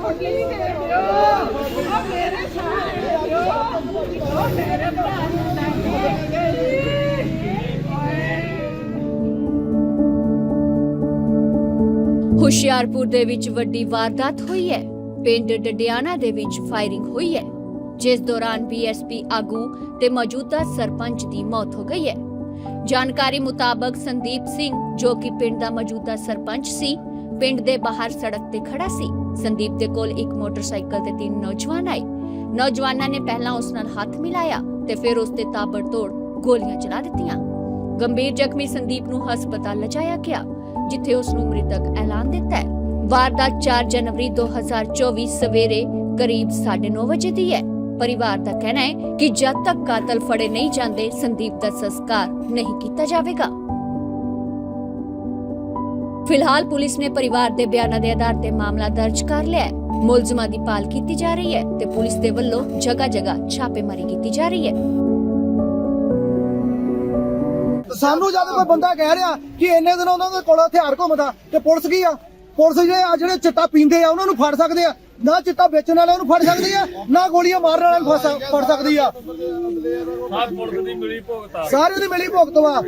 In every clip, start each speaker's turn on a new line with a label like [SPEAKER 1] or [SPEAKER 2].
[SPEAKER 1] ਹੁਸ਼ਿਆਰਪੁਰ ਦੇ ਵਿੱਚ ਵੱਡੀ ਵਾਰਦਾਤ ਹੋਈ ਹੈ। ਪਿੰਡ ਡਡਿਆਣਾ ਦੇ ਵਿੱਚ ਫਾਇਰਿੰਗ ਹੋਈ ਹੈ, ਜਿਸ ਦੌਰਾਨ ਬੀਐਸਪੀ ਆਗੂ ਤੇ ਮੌਜੂਦਾ ਸਰਪੰਚ ਦੀ ਮੌਤ ਹੋ ਗਈ ਹੈ। ਜਾਣਕਾਰੀ ਮੁਤਾਬਕ ਸੰਦੀਪ ਸਿੰਘ, ਜੋ ਕਿ ਪਿੰਡ ਦਾ ਮੌਜੂਦਾ ਸਰਪੰਚ ਸੀ, ਪਿੰਡ ਦੇ ਬਾਹਰ ਸੜਕ ਤੇ ਖੜਾ ਸੀ। ਸੰਦੀਪ ਦੇ ਕੋਲ ਇੱਕ ਮੋਟਰਸਾਈਕਲ ਤੇ 3 ਨੌਜਵਾਨ ਆਏ। ਨੌਜਵਾਨਾਂ ਨੇ ਪਹਿਲਾਂ ਉਸ ਨਾਲ ਹੱਥ ਮਿਲਾਇਆ ਤੇ ਫਿਰ ਉਸ ਤੇ ਤਾਬੜਤੋੜ ਗੋਲੀਆਂ ਚਲਾ ਦਿੱਤੀਆਂ। ਗੰਭੀਰ ਜ਼ਖਮੀ ਸੰਦੀਪ ਨੂੰ ਹਸਪਤਾਲ ਲਿਜਾਇਆ ਗਿਆ, ਜਿੱਥੇ ਉਸ ਨੂੰ ਮ੍ਰਿਤਕ ਐਲਾਨ ਦਿੱਤਾ ਹੈ। ਵਾਰਦਾਤ 4 ਜਨਵਰੀ 2024 ਸਵੇਰੇ ਕਰੀਬ 9:30 ਵਜੇ ਦੀ ਹੈ। परिवार का कहना है कि जब तक कातिल फड़े नहीं जाते संदीप का संस्कार नहीं किया जाएगा। फिलहाल पुलिस ने परिवार के बयानों के आधार पर मामला दर्ज कर लिया है। मुलजमां की भाल की जा रही है ते पुलिस के वल्लों जगह जगह छापेमारी की जा रही है।
[SPEAKER 2] सानू जब कोई बंदा कह रहा कि इन्ने दिन उन्होंने कोल हथियार घुमदा ते पुलिस की आ, पुलिस ਜਿਹੜੇ चिट्टा पींदे आ उन्होंने फड़ सकते आ, ना चिट्टा बेचने वाले फड़ सकती है, ना गोलियां मारने वाले फड़ सकती है। सारे दी मिली भुगत वा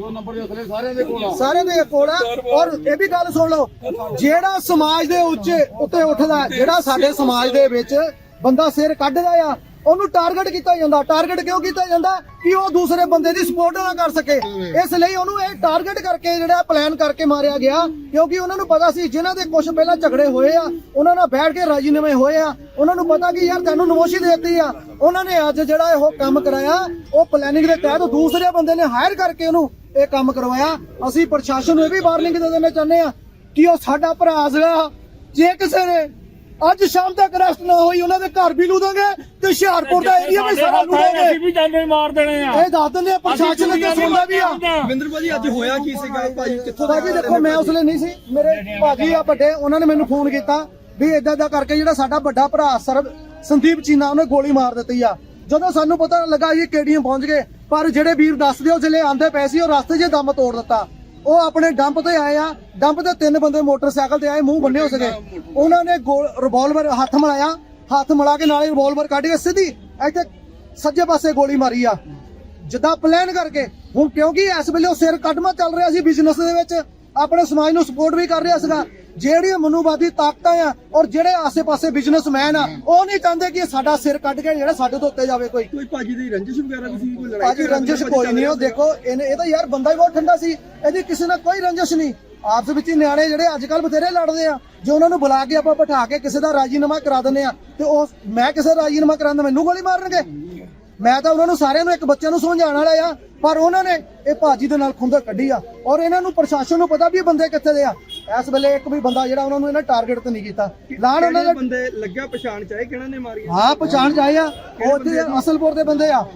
[SPEAKER 2] सारे दे कोल है। और ये भी गल सुन लो, जेड़ा समाज दे उत्ते उठदा, जेड़ा साडे समाज दे विच बंदा सिर कड्ढदा आ, ਉਹਨੂੰ ਟਾਰਗੇਟ ਕੀਤਾ ਜਾਂਦਾ। ਟਾਰਗੇਟ ਕਿਉਂ ਕੀਤਾ ਜਾਂਦਾ ਕਿ ਉਹ ਦੂਸਰੇ ਬੰਦੇ ਦੀ ਸਪੋਰਟ ਨਾ ਕਰ ਸਕੇ। ਇਸ ਲਈ ਉਹਨੂੰ ਇਹ ਟਾਰਗੇਟ ਕਰਕੇ ਜਿਹੜਾ ਪਲਾਨ ਕਰਕੇ ਮਾਰਿਆ ਗਿਆ, ਕਿਉਂਕਿ ਉਹਨਾਂ ਨੂੰ ਪਤਾ ਸੀ ਜਿਨ੍ਹਾਂ ਦੇ ਕੁਝ ਪਹਿਲਾਂ ਝਗੜੇ ਹੋਏ ਆ, ਉਹਨਾਂ ਨਾਲ ਬੈਠ ਕੇ ਰਾਜੀਨਾਮੇ ਹੋਏ ਆ, ਉਹਨਾਂ ਨੂੰ ਪਤਾ ਕਿ ਯਾਰ ਤੈਨੂੰ ਨਮੋਸ਼ੀ ਦੇਤੀ ਆ। ਉਹਨਾਂ ਨੇ ਅੱਜ ਜਿਹੜਾ ਇਹ ਕੰਮ ਕਰਾਇਆ, ਉਹ ਪਲੈਨਿੰਗ ਦੇ ਤਹਿਤ ਦੂਸਰੇ ਬੰਦੇ ਨੇ ਹਾਇਰ ਕਰਕੇ ਉਹਨੂੰ ਇਹ ਕੰਮ ਕਰਵਾਇਆ। ਅਸੀਂ ਪ੍ਰਸ਼ਾਸਨ ਨੂੰ ਇਹ ਵੀ ਵਾਰਨਿੰਗ ਦੇ ਦੇਣਾ ਚਾਹੁੰਦੇ ਆ ਕਿ ਉਹ ਸਾਡਾ ਭਰਾ ਸੀਗਾ। ਜੇ ਕਿਸੇ ਨੇ ਅੱਜ ਸ਼ਾਮ ਤੱਕ ਅਰੈਸਟ ਨਾ ਹੋਈ, ਉਹਨਾਂ ਦੇ ਘਰ ਵੀ ਲੂਦਾਂਗੇ ਤੇ ਹੁਸ਼ਿਆਰਪੁਰ ਦਾ ਏਰੀਆ ਵੀ ਸਾਰਾ ਲੂਦਾਂਗੇ।
[SPEAKER 3] ਅਸੀਂ ਵੀ ਜਾਨੇ ਮਾਰ ਦੇਣੇ ਆ।
[SPEAKER 2] ਇਹ ਦੱਸ ਦਿੰਦੇ ਆ, ਪ੍ਰਸ਼ਾਸਨ ਅੱਗੇ ਸੁਣਦਾ ਵੀ ਆ।
[SPEAKER 4] ਵਿੰਦਰ ਭਾਜੀ ਅੱਜ ਹੋਇਆ ਕੀ ਸੀਗਾ ਭਾਜੀ? ਕਿੱਥੋਂ ਦਾ?
[SPEAKER 2] ਭਾਜੀ ਦੇਖੋ, ਮੈਂ ਉਸ ਵੇਲੇ ਨਹੀਂ ਸੀ, ਮੇਰੇ ਭਾਜੀ ਆ ਵੱਡੇ, ਉਹਨਾਂ ਨੇ ਮੈਨੂੰ ਫੋਨ ਕੀਤਾ ਵੀ ਏਦਾਂ ਦਾ ਕਰਕੇ ਜਿਹੜਾ ਸਾਡਾ ਵੱਡਾ ਭਰਾ ਸੰਦੀਪ ਚੀਨਾ, ਉਹਨੇ ਗੋਲੀ ਮਾਰ ਦਿੱਤੀ ਆ। ਜਦੋਂ ਸਾਨੂੰ ਪਤਾ ਲੱਗਾ ਜੀ KDM ਪਹੁੰਚ ਗਏ, ਪਰ ਜਿਹੜੇ ਵੀਰ ਦੱਸਦੇ ਉਹ ਜਿਹੜੇ ਆਂਦੇ ਪਏ ਸੀ, ਉਹ ਰਸਤੇ 'ਚ ਦਮ ਤੋੜ ਦਿੱਤਾ। ਉਹ ਆਪਣੇ ਡੰਪ ਤੇ ਆਏ ਆ, ਡੰਪ ਤੇ 3 ਬੰਦੇ ਮੋਟਰਸਾਈਕਲ ਤੇ ਆਏ, ਮੂੰਹ ਬੰਨੇ ਹੋ ਸਕੇ। ਉਹਨਾਂ ਨੇ ਰਿਵਾਲਵਰ ਹੱਥ ਮਿਲਾਇਆ, ਹੱਥ ਮਿਲਾ ਕੇ ਨਾਲੇ ਰਿਵਾਲਵਰ ਕੱਢ ਕੇ ਸਿੱਧੀ ਇੱਥੇ ਸੱਜੇ ਪਾਸੇ ਗੋਲੀ ਮਾਰੀ ਆ, ਜਿੱਦਾਂ ਪਲਾਨ ਕਰਕੇ। ਹੁਣ ਕਿਉਂਕਿ ਇਸ ਵੇਲੇ ਉਹ ਸਿਰ ਕੱਢਮਾ ਚੱਲ ਰਿਹਾ ਸੀ ਬਿਜ਼ਨਸ ਦੇ ਵਿੱਚ, ਆਪਣੇ ਸਮਾਜ ਨੂੰ ਸਪੋਰਟ ਵੀ ਕਰ ਰਿਹਾ ਸੀਗਾ। ਜਿਹੜੀਆਂ ਮਨੂਵਾਦੀ ਤਾਕਤਾਂ ਆ ਔਰ ਜਿਹੜੇ ਆਸੇ-ਪਾਸੇ ਬਿਜ਼ਨਸਮੈਨ ਆ, ਉਹ ਨਹੀਂ ਚਾਹੁੰਦੇ ਕਿ ਸਾਡਾ ਸਿਰ ਕੱਢ ਕੇ ਜਿਹੜਾ ਸਾਡੇ ਤੋਂ ਉੱਤੇ ਜਾਵੇ। ਕੋਈ
[SPEAKER 4] ਭਾਜੀ ਦੀ ਰੰਜਿਸ਼ ਵਗੈਰਾ ਵੀ ਸੀ? ਕੋਈ ਲੜਾਈ?
[SPEAKER 2] ਭਾਜੀ ਰੰਜਿਸ਼ ਕੋਈ ਨਹੀਂ। ਉਹ ਦੇਖੋ, ਇਹ ਤਾਂ ਯਾਰ ਬੰਦਾ ਹੀ ਬਹੁਤ ਠੰਡਾ ਸੀ, ਇਹਦੀ ਕਿਸੇ ਨਾਲ ਕੋਈ ਰੰਜਿਸ਼ ਨਹੀਂ। ਆਪਸ ਵਿੱਚ ਹੀ ਨਿਆਣੇ ਜਿਹੜੇ ਅੱਜ ਕੱਲ ਬਥੇਰੇ ਲੜਦੇ ਆ, ਜੇ ਉਹਨਾਂ ਨੂੰ ਬੁਲਾ ਕੇ ਆਪਾਂ ਬਿਠਾ ਕੇ ਕਿਸੇ ਦਾ ਰਾਜੀਨਾਮਾ ਕਰਾ ਦਿੰਦੇ ਆ, ਤੇ ਉਹ ਮੈਂ ਕਿਸੇ ਰਾਜੀਨਾਮਾ ਕਰਾਉਂਦਾ ਮੈਨੂੰ ਗੋਲੀ ਮਾਰਨਗੇ? ਮੈਂ ਤਾਂ ਉਹਨਾਂ ਨੂੰ ਸਾਰਿਆਂ ਨੂੰ, ਇੱਕ ਬੱਚੇ ਨੂੰ ਸਮਝਾਉਣ ਵਾਲਾ ਆ, ਪਰ ਉਹਨਾਂ ਨੇ ਇਹ ਭਾਜੀ ਦੇ ਨਾਲ ਖੁੰਦਕ ਕੱਢੀ ਆ। ਔਰ ਇਹਨਾਂ ਨੂੰ ਪ੍ਰਸ਼ਾਸਨ ਨੂੰ ਪਤਾ ਵੀ ਇਹ ਬੰਦੇ ਕਿੱਥੇ ਦੇ ਆ। ਇਸ ਵੇਲੇ ਇੱਕ ਵੀ ਬੰਦਾ ਜਿਹੜਾ ਉਹਨਾਂ ਨੂੰ ਇਹਨਾਂ ਟਾਰਗੇਟ ਤੇ ਨਹੀਂ ਕੀਤਾ। ਲਾਣ ਉਹਨਾਂ ਦੇ
[SPEAKER 4] ਬੰਦੇ ਲੱਗਿਆ ਪਛਾਣ ਚਾਹੇ ਕਿਹਨਾਂ ਨੇ ਮਾਰੀ?
[SPEAKER 2] ਹਾਂ, ਪਛਾਣ ਚਾਹੇ ਆ, ਉਹ ਅਸਲਪੁਰ ਦੇ ਬੰਦੇ ਆ।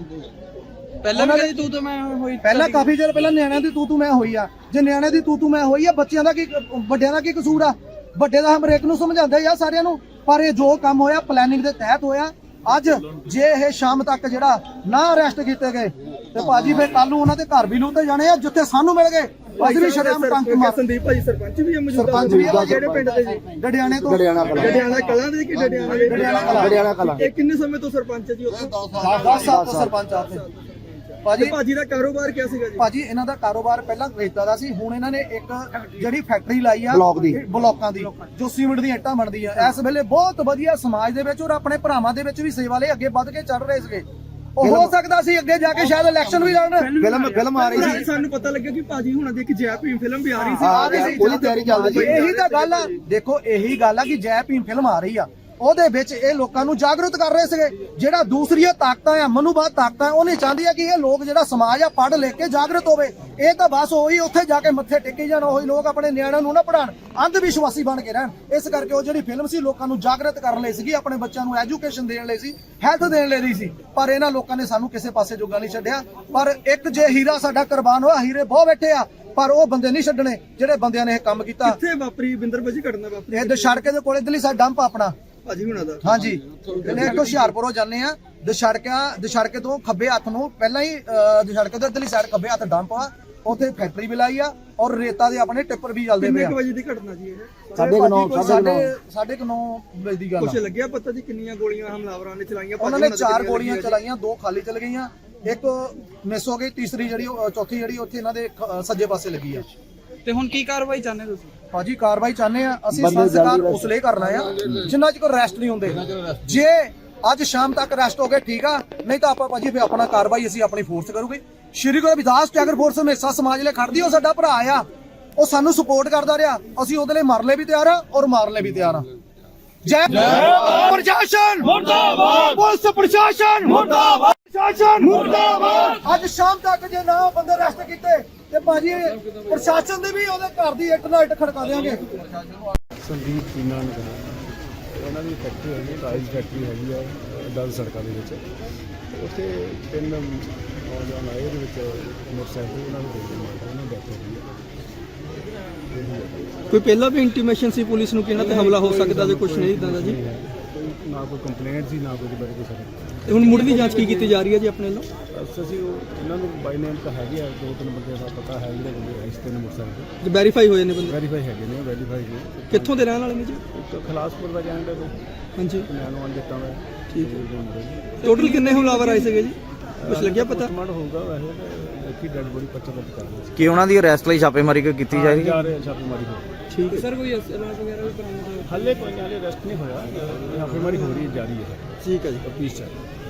[SPEAKER 4] ਪਹਿਲਾਂ ਵੀ ਤੂੰ ਮੈਂ ਹੋਈ?
[SPEAKER 2] ਪਹਿਲਾਂ ਕਾਫੀ ਚਿਰ ਪਹਿਲਾਂ ਨਿਆਣਿਆਂ ਦੀ ਤੂੰ ਮੈਂ ਹੋਈ ਆ। ਜੇ ਨਿਆਣਿਆਂ ਦੀ ਤੂੰ ਮੈਂ ਹੋਈ ਆ, ਬੱਚਿਆਂ ਦਾ ਕੀ, ਵੱਡਿਆਂ ਦਾ ਕੀ ਕਸੂਰ ਆ? ਵੱਡੇ ਦਾ ਹਰੇਕ ਨੂੰ ਸਮਝਾਉਂਦੇ ਆ ਸਾਰਿਆਂ ਨੂੰ, ਪਰ ਇਹ ਜੋ ਕੰਮ ਹੋਇਆ ਪਲੈਨਿੰਗ ਦੇ ਤਹਿਤ ਹੋਇਆ। ਅੱਜ ਜੇ ਇਹ ਸ਼ਾਮ ਤੱਕ ਜਿਹੜਾ ਨਾ ਅਰੈਸਟ ਕੀਤੇ ਗਏ ਤੇ ਭਾਜੀ ਫਿਰ ਕੱਲ ਨੂੰ ਉਹਨਾਂ ਦੇ ਘਰ ਵੀ ਲੂਤੇ ਜਾਣੇ ਆ, ਜਿੱਥੇ ਸਾਨੂੰ ਮਿਲ ਗਏ। ਅਸੀਂ ਵੀ ਸ਼ਰਮ ਟੰਕ ਮਾਰ।
[SPEAKER 4] ਸੰਦੀਪ ਭਾਜੀ ਸਰਪੰਚ ਵੀ ਆ ਮੌਜੂਦਾ?
[SPEAKER 2] ਸਰਪੰਚ ਵੀ ਆ।
[SPEAKER 4] ਜਿਹੜੇ ਪਿੰਡ ਦੇ ਜੀ?
[SPEAKER 2] ਡਡਿਆਣੇ ਤੋਂ।
[SPEAKER 4] ਡਡਿਆਣਾ ਕਲਾਂ ਦੇ ਕਿ ਡਡਿਆਣਾ ਕਲਾਂ? ਇਹ ਕਿੰਨੇ ਸਮੇਂ ਤੋਂ ਸਰਪੰਚ ਹੈ ਜੀ ਉੱਥੇ?
[SPEAKER 2] 10 ਸਾਲ ਤੋਂ ਸਰਪੰਚ ਆ ਉੱਥੇ।
[SPEAKER 4] ਭਾਜੀ ਦਾ ਕਾਰੋਬਾਰ ਕਿਆ ਸੀਗਾ ਜੀ?
[SPEAKER 2] ਭਾਜੀ ਇਹਨਾਂ ਦਾ ਕਾਰੋਬਾਰ ਪਹਿਲਾਂ ਰੇਤਾ ਦਾ ਸੀ, ਹੁਣ ਇਹਨਾਂ ਨੇ ਇੱਕ ਜਿਹੜੀ ਫੈਕਟਰੀ ਲਾਈ ਆ ਬਲੌਕਾਂ ਦੀ, ਜੋ ਸੀਮਿੰਟ ਦੀਆਂ ਇੱਟਾਂ ਬਣਦੀਆਂ। ਇਸ ਵੇਲੇ ਬਹੁਤ ਵਧੀਆ ਸਮਾਜ ਦੇ ਵਿੱਚ ਔਰ ਆਪਣੇ ਭਰਾਵਾਂ ਦੇ ਵਿੱਚ ਵੀ ਸੇਵਾ ਲਈ ਅੱਗੇ ਵੱਧ ਕੇ ਚੱਲ ਰਹੇ ਸੀਗੇ। ਉਹ ਹੋ ਸਕਦਾ ਸੀ ਅੱਗੇ ਜਾ ਕੇ ਸ਼ਾਇਦ ਇਲੈਕਸ਼ਨ ਵੀ ਲੜਨ। ਫਿਲਮ ਆ ਰਹੀ ਸੀ,
[SPEAKER 4] ਸਾਨੂੰ ਪਤਾ ਲੱਗਿਆ ਕਿ ਭਾਜੀ ਹੁਣਾਂ ਦੀ ਇੱਕ ਜੈ ਭੀਮ ਫਿਲਮ ਵੀ ਆ ਰਹੀ ਸੀ।
[SPEAKER 2] ਉਹਦੀ ਤਿਆਰੀ ਚੱਲਦੀ ਸੀ। ਇਹੀ ਤਾਂ ਗੱਲ ਆ, ਦੇਖੋ ਇਹੀ ਗੱਲ ਆ ਕਿ ਜੈ ਭੀਮ ਫਿਲਮ ਆ ਰਹੀ ਆ, ਉਹਦੇ ਵਿੱਚ ਇਹ ਲੋਕਾਂ ਨੂੰ ਜਾਗਰੂਕ ਕਰ ਰਹੇ ਸੀਗੇ। ਜਿਹੜਾ ਦੂਸਰੀਆਂ ਤਾਕਤਾਂ ਆ, ਮਨੂਵਾਦ ਤਾਕਤਾਂ, ਉਹ ਨਹੀਂ ਚਾਹੁੰਦੀਆਂ ਕਿ ਇਹ ਲੋਕ ਜਿਹੜਾ ਸਮਾਜ ਆ ਪੜ੍ਹ ਲਿਖ ਕੇ ਜਾਗਰੂਕ ਹੋਵੇ। ਇਹ ਤਾਂ ਬਸ ਉਹੀ ਉੱਥੇ ਜਾ ਕੇ ਮੱਥੇ ਟੇਕੀ ਜਾਣ, ਉਹੀ ਲੋਕ ਆਪਣੇ ਨਿਆਣਿਆਂ ਨੂੰ ਨਾ ਪੜ੍ਹਾਉਣ, ਅੰਧ ਵਿਸ਼ਵਾਸੀ ਬਣ ਕੇ ਰਹਿਣ। ਇਸ ਕਰਕੇ ਉਹ ਜਿਹੜੀ ਫਿਲਮ ਸੀ ਲੋਕਾਂ ਨੂੰ ਜਾਗਰੂਕ ਕਰਨ ਲਈ ਸੀਗੀ, ਆਪਣੇ ਬੱਚਿਆਂ ਨੂੰ ਐਜੂਕੇਸ਼ਨ ਦੇਣ ਲਈ ਸੀ, ਹੈਲਥ ਦੇਣ ਲਈ ਸੀ। ਪਰ ਇਹਨਾਂ ਲੋਕਾਂ ਨੇ ਸਾਨੂੰ ਕਿਸੇ ਪਾਸੇ ਜੋਗਾ ਨਹੀਂ ਛੱਡਿਆ। ਪਰ ਇੱਕ ਜੇ ਹੀਰਾ ਸਾਡਾ ਕੁਰਬਾਨ ਹੋਇਆ, ਹੀਰੇ ਬਹੁਤ ਬੈਠੇ ਆ, ਪਰ ਉਹ ਬੰਦੇ ਨਹੀਂ ਛੱਡਣੇ ਜਿਹੜੇ ਬੰਦਿਆਂ ਨੇ ਇਹ ਕੰਮ ਕੀਤਾ।
[SPEAKER 4] ਕਿੱਥੇ ਵਾਪਰੀ ਵਿੰਦਰ ਭਾਜੀ ਘਟਨਾ ਵਾਪਰੀ?
[SPEAKER 2] ਇਹ ਦਸ਼ੜਕੇ ਦੇ ਕੋਲੇ ਦਿੱਲੀ ਸਾਡਾ ਡੰਪ ਆਪਣਾ
[SPEAKER 4] ਭਾਜੀ ਹੁਣਾਂ ਦਾ।
[SPEAKER 2] ਹਾਂਜੀ, ਇਹਨੇ ਇੱਕ ਹੁਸ਼ਿਆਰਪੁਰੋਂ ਜਾਂਦੇ ਆ, ਦਸ਼ੜਕੇ ਤੋਂ ਖੱਬੇ ਹੱਥ ਨੂੰ ਪਹਿਲਾਂ ਹੀ ਦਸ਼ੜਕੇ ਦੇ ਦਿੱਲੀ ਸਾਈਡ ਖੱਬੇ ਹੱਥ ਡੰਪ ਆ। ਉੱਥੇ ਫੈਕਟਰੀ ਵੀ ਲਾਈ ਆ ਔਰ ਰੇਤਾ ਦੇ ਆਪਣੇ ਟਿੱਪਰ ਵੀ ਚੱਲਦੇ ਪਏ
[SPEAKER 4] ਕਿੰਨੇ
[SPEAKER 2] ਆ।
[SPEAKER 4] ਕੁ ਵਜੇ ਦੀ ਘਟਨਾ ਜੀ ਇਹ?
[SPEAKER 2] 9:30 ਵਜੇ ਦੀ ਗੱਲ
[SPEAKER 4] ਕੁਛ
[SPEAKER 2] ਆ।
[SPEAKER 4] ਲੱਗਿਆ ਪਤਾ ਜੀ ਕਿੰਨੀਆਂ ਗੋਲੀਆਂ ਹਮਲਾਵਰਾਂ ਨੇ ਚਲਾਈਆਂ?
[SPEAKER 2] ਉਹਨਾਂ ਨੇ 4 ਗੋਲੀਆਂ ਚਲਾਈਆਂ, 2 ਖਾਲੀ ਚਲ ਗਈਆਂ, ਇੱਕ ਮਿਸ ਹੋ ਗਈ, ਤੀਸਰੀ ਜਿਹੜੀ ਚੌਥੀ ਜਿਹੜੀ ਉੱਥੇ ਇਹਨਾਂ ਦੇ ਸੱਜੇ ਪਾਸੇ ਲੱਗੀ ਆ।
[SPEAKER 4] ਤੇ ਹੁਣ ਕੀ ਕਾਰਵਾਈ ਚਾਹੁੰਦੇ ਤੁਸੀਂ?
[SPEAKER 2] ਭਾਜੀ ਕਾਰਵਾਈ ਚਾਹੁੰਦੇ ਆ ਅਸੀਂ, ਸੰਸਕਾਰ ਉਸ ਲਈ ਕਰਨਾ ਆ ਜਿੰਨਾ ਚਿਰ ਅਰੈਸਟ ਨਹੀਂ ਹੁੰਦੇ। ਜੇ ਅੱਜ ਸ਼ਾਮ ਤੱਕ ਅਰੈਸਟ ਹੋ ਗਏ ਠੀਕ ਆ, ਨਹੀਂ ਤਾਂ ਆਪਾਂ ਭਾਜੀ ਫਿਰ ਆਪਣਾ ਕਾਰਵਾਈ ਅਸੀਂ ਆਪਣੀ ਫੋਰਸ ਕਰੂਗੇ। ਸ਼੍ਰੀ ਗੁਰੂ ਰਵਿਦਾਸ ਟੈਗਰ ਫੋਰਸ ਹਮੇਸ਼ਾ ਸਮਾਜ ਲਈ ਖੜਦੀ, ਉਹ ਸਾਡਾ ਭਰਾ ਆ, ਉਹ ਸਾਨੂੰ ਸਪੋਰਟ ਕਰਦਾ ਰਿਹਾ, ਅਸੀਂ ਉਹਦੇ ਲਈ ਮਰਨ ਲਈ ਵੀ ਤਿਆਰ ਆ ਔਰ ਮਾਰਨ ਲਈ ਵੀ ਤਿਆਰ ਆ। ਜੈ ਪ੍ਰਸ਼ਾਸਨ ਮੁਰਦਾਬਾਦ, ਪੁਲਿਸ ਪ੍ਰਸ਼ਾਸਨ ਮੁਰਦਾਬਾਦ, ਪ੍ਰਸ਼ਾਸਨ ਮੁਰਦਾਬਾਦ। ਅੱਜ ਸ਼ਾਮ ਤੱਕ ਜੇ ਨਾ ਬੰਦੇ ਅਰੈਸਟ ਕੀਤੇ ਤੇ ਭਾਜੀ ਪ੍ਰਸ਼ਾਸਨ ਦੇ ਵੀ ਉਹਦੇ ਘਰ ਦੀ ਇੱਟ ਨਾਲ ਇੱਟ ਖੜਕਾ ਦੇਵਾਂਗੇ।
[SPEAKER 3] ਸੰਦੀਪ ਚੀਨਾ ਨੂੰ ਉਹਨਾਂ ਦੀ ਫੈਕਟਰੀ ਹੈਗੀ, ਟਾਇਲਸ ਫੈਕਟਰੀ ਹੈਗੀ ਆ 10 ਸੜਕਾਂ ਦੇ ਵਿੱਚ। ਉੱਥੇ 3 ਨੌਜਵਾਨ ਆਏ, ਉਹਦੇ ਵਿੱਚ ਮੋਟਰਸਾਈਕਲ ਉਹਨਾਂ ਨੂੰ ਦੇਖਦੇ ਮਾਰਦਾ, ਉਹਨਾਂ ਡੈਥ ਹੋ ਗਈ ਹੈ।
[SPEAKER 4] ਕੋਈ ਪਹਿਲਾਂ ਵੀ ਇੰਟੀਮੇਸ਼ਨ ਸੀ ਪੁਲਿਸ ਨੂੰ ਕਿ ਇਹਨਾਂ ਤੇ ਹਮਲਾ ਹੋ ਸਕਦਾ ਜਾਂ ਕੁਝ ਨਹੀਂ ਇਦਾਂ ਦਾ ਜੀ?
[SPEAKER 3] ਕੋਈ ਨਾ ਕੋਈ ਕੰਪਲੇਂਟ ਸੀ, ਨਾ ਕੋਈ ਬਾਰੇ ਕੋਈ ਸਰ।
[SPEAKER 4] ਤੇ ਹੁਣ ਮੁੱਢਲੀ ਜਾਂਚ ਕੀ ਕੀਤੀ ਜਾ ਰਹੀ ਹੈ ਜੀ ਆਪਣੇ ਵੱਲੋਂ?
[SPEAKER 3] ਅਸੀਂ ਇਹਨਾਂ ਨੂੰ ਬਾਈ ਨੇਮ ਤਾਂ ਹੈਗੇ ਆ, 2-3 ਬੰਦੇ ਦਾ ਪਤਾ ਹੈ ਜਿਹੜੇ ਬੰਦੇ ਇਸ 3 ਮੋਟਰਸਾਈਕਲ
[SPEAKER 4] ਜੇ ਵੈਰੀਫਾਈ ਹੋਏ ਨੇ ਬੰਦੇ?
[SPEAKER 3] ਵੈਰੀਫਾਈ ਹੈਗੇ ਨੇ, ਵੈਰੀਫਾਈ ਨੇ।
[SPEAKER 4] ਕਿੱਥੋਂ ਦੇ ਰਹਿਣ ਵਾਲੇ ਨੇ ਜੀ?
[SPEAKER 3] ਇੱਕ ਖਲਾਸਪੁਰ ਦਾ ਜਾਂਦੇ ਨੇ,
[SPEAKER 4] ਹਾਂਜੀ
[SPEAKER 3] ਨੈਣੋਵਾਲ ਜੱਟਾਂ ਦਾ।
[SPEAKER 4] ਠੀਕ ਹੈ। ਟੋਟਲ ਕਿੰਨੇ ਹਮਲਾਵਰ ਆਏ ਸੀਗੇ ਜੀ, ਕੁਝ ਲੱਗਿਆ ਪਤਾ?
[SPEAKER 3] ਕਮਾਂਡ ਹੋਊਗਾ ਵੈਸੇ ਤਾਂ ਇੱਕ ਹੀ ਡੈਡ ਬੋਡੀ 25 ਕਰ ਰਹੇ ਸੀ।
[SPEAKER 5] ਕਿ ਉਹਨਾਂ ਦੀ ਅਰੈਸਟ ਲਈ ਛਾਪੇਮਾਰੀ ਕੀਤੀ ਜਾ ਰਹੀ ਹੈ।
[SPEAKER 3] ਜਾ ਰਹੇ ਛਾਪੇਮਾਰੀ ਹੋ
[SPEAKER 4] ਠੀਕ ਹੈ ਸਰ। ਕੋਈ ਅਸਲਾਹ ਵਗੈਰਾ ਵੀ ਬਰਾਮਦ ਹੋਇਆ?
[SPEAKER 3] ਹਾਲੇ ਕੋਈ ਹਾਲੇ ਅਰੈਸਟ ਨਹੀਂ ਹੋਇਆ, ਛਾਪੇਮਾਰੀ ਹੋ ਰਹੀ ਹੈ, ਜਾਰੀ ਹੈ।
[SPEAKER 4] ਠੀਕ ਹੈ ਜੀ।
[SPEAKER 3] ਤਫਤੀਸ਼ ਚੱਲ ਰਹੀ ਹੈ।